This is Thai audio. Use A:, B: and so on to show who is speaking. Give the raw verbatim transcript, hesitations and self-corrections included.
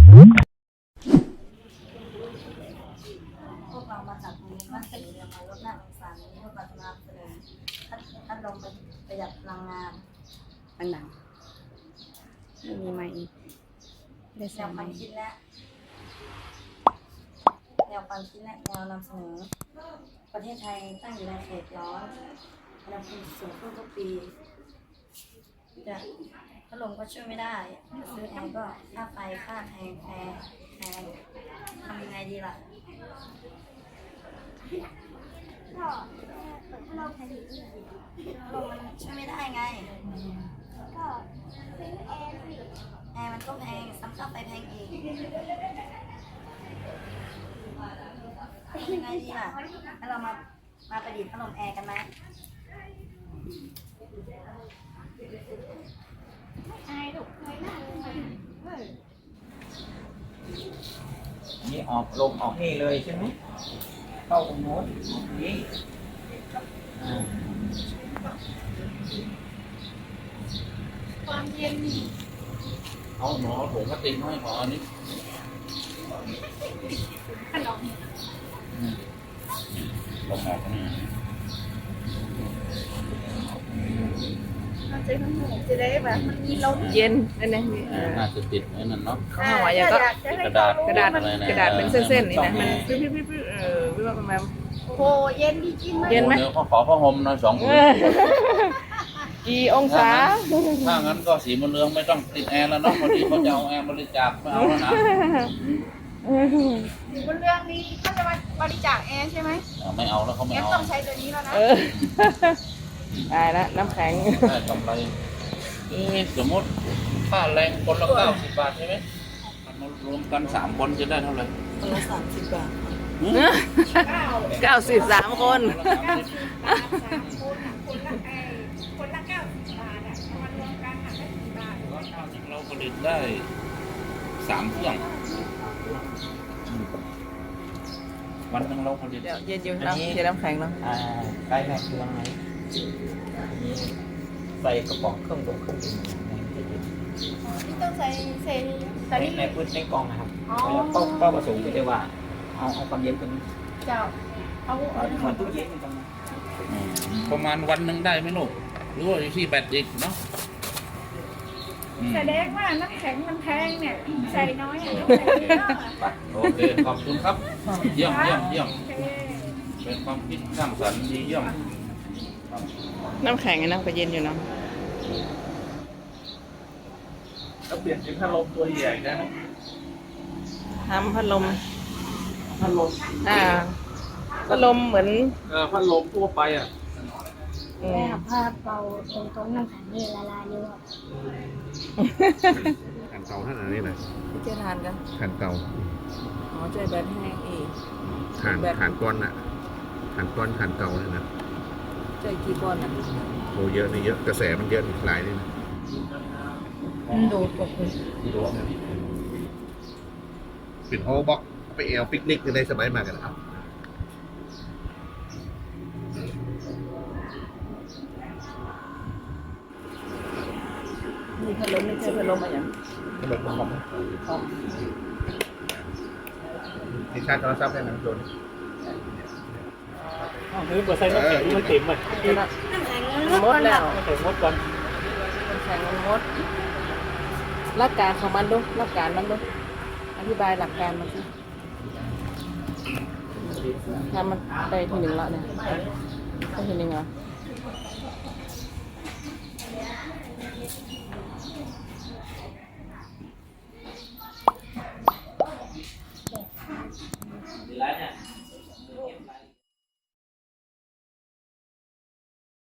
A: พวกเรามาจากโรงเรียนบ้านสีเรียนมาลดหน้าองศาในพวกเราจะนำเสนอพัดลมประหยัดพลังงานดังๆไม่มีไม้อีกได้แนวความคิดและแนวความคิดและแนวนำเสนอประเทศไทยตั้งอยู่ในเขตร้อนอุณหภูมิสูงขึ้นทุกปีจะพัดลมก็ช่วยไม่ได้ซื้อแอร์ก็ค่าไฟค่าแพงแพงแพงทำยังไงดีล่ะก็เปิดพัดลมแพงอีกพัดลมมันช่วยไม่ได้ไงก็ซื้อแอร์สิแอร์มันก็แพงซ้ำค่าไฟแพงอีกทำยังไงดีล่ะให้เรามามาประดิษฐ์พัดลมแอร์กันไหมอายถูกเคยนั่ง
B: นี่ออกลมออกนี่เลยใช่ไหมเข้าตรงโน้นออกนี่
A: ความเย็น
B: เอาหมอถุงพลาสติกให้หมออันนี้
A: ขนม
B: ลมออกนี่
A: จะจะได้แบบมันมีลมเย็นนั่นเอง
B: น่าจะติดไว้นั่นเนาะ
A: ข้าวหอยก็
B: กระดาษ
A: กระดาษกระดาษเป็นเส้นๆนี่นะมันพี่พี่พี่เออพี่ว่าประมาณโอ้เย็นดีจริงไหมเย็นไหม
B: เขาขอผ้าห่มหน่อยสอง
A: กี่องศา
B: ถ้างั้นก็สีมะเรืองไม่ต้องติดแอร์แล้วเนาะพอดีเขาจะเอาแอร์บริจาคไม่เอาแล้วนะ
A: บนเรื่องนี้เขาจะมาบริจาคแอร์ใช่ไหม
B: ไม่เอาแล้วเขาไม่เอา
A: ต้องใช้ตัวนี้แล้วนะได้แล้วน้ำแข็ง
B: ได้กำไรสมมติค่าแรงคนละเก้าสิบบาทใช่ไหมรวมกันสามคนจะได้เท่าไหร่
A: คนละสามสิบบาทเก้าสิบสามคนคนละเก้าสิบบาทอ่ะมารวมกันหักได้สิบบาท
B: เราผลิตได้สามเครื่องวันนึงเราผลิต
A: เย็นอยู่นะเย็นน้ำแข็งเนาะ
B: ใกล้แม่เครื่องไหมนี้ใส่กระป๋องเครื่องตรงเครื่องดื่ม
A: ที่ต้องใส่ใส่
B: ใส่ในพื้นในกล่องนะครับแล้วก็ก็ประสงค์ที่จะว่าเอาเอาความเย็นตรงนี้
A: เจ้าเอา
B: เหมือนตู้เย็นตรงนี้ประมาณวันหนึ่งได้ไหมลูกหรือว่าอยู่ที่แบตอีกเนาะ
A: แสดงว่าน้ำแข็งมันแพงเนี่ยใส่น้อยอ่ะ
B: โอเคขอบคุณครับเยี่ยมเยี่ยมเยี่ยมเป็นความคิดสร้างสรรค์ดีเยี่ยม
A: น้ำแข็งไงนะก็เย็นอยู่เนาะ
B: ก็เปลี่ยนเป็นพัดลมตัวใหญ่ได้ไหม
A: ทำพัดลม
B: พัดลม
A: อ่าพัดลมเหมือน
B: เออพัดลมทั่วไปอ่ะ
C: แม่ผ้าเป่าตรงตรงน้ำแข็งนี่ละลายเยอะ
D: แผ่นเก่าท่านอันนี้นะ
A: เจ๊ทานกัน
D: แผ่นเก่า
A: อ๋อใจแบตแห้งอีก
D: ฐานฐานก้อนน่ะฐานก้อนฐานเก่าเลยนะ
A: ใจกี่ก้อนอ่ะ
D: โอ้เยอะนี่เยอะกระแสมันเยอะหลายนี่นะ
A: โดดกดเลย
D: ปิดโฮบ็อกไปเอลปิกนิกในสมัยมากันนะครับ
A: มีพัดลมไม่ใช่พัดลมอะไรอย่าง
D: พัดลมคอมคอมที่ชาร์จโทรศัพท์ได้นะโดน
B: อ๋อนี่เปิดไซน์น้ำแข็งมันเต็มเลย
A: มดแล้ว
B: แข็งมดก่อน
A: แข็งมดหลักการของมันดูหลักการมันดูอธิบายหลักการมันสิทำมันได้ทีหนึ่งละเนี่ยได้ทีหนึ่งเหรอ
B: ดีแล้วเนี่ย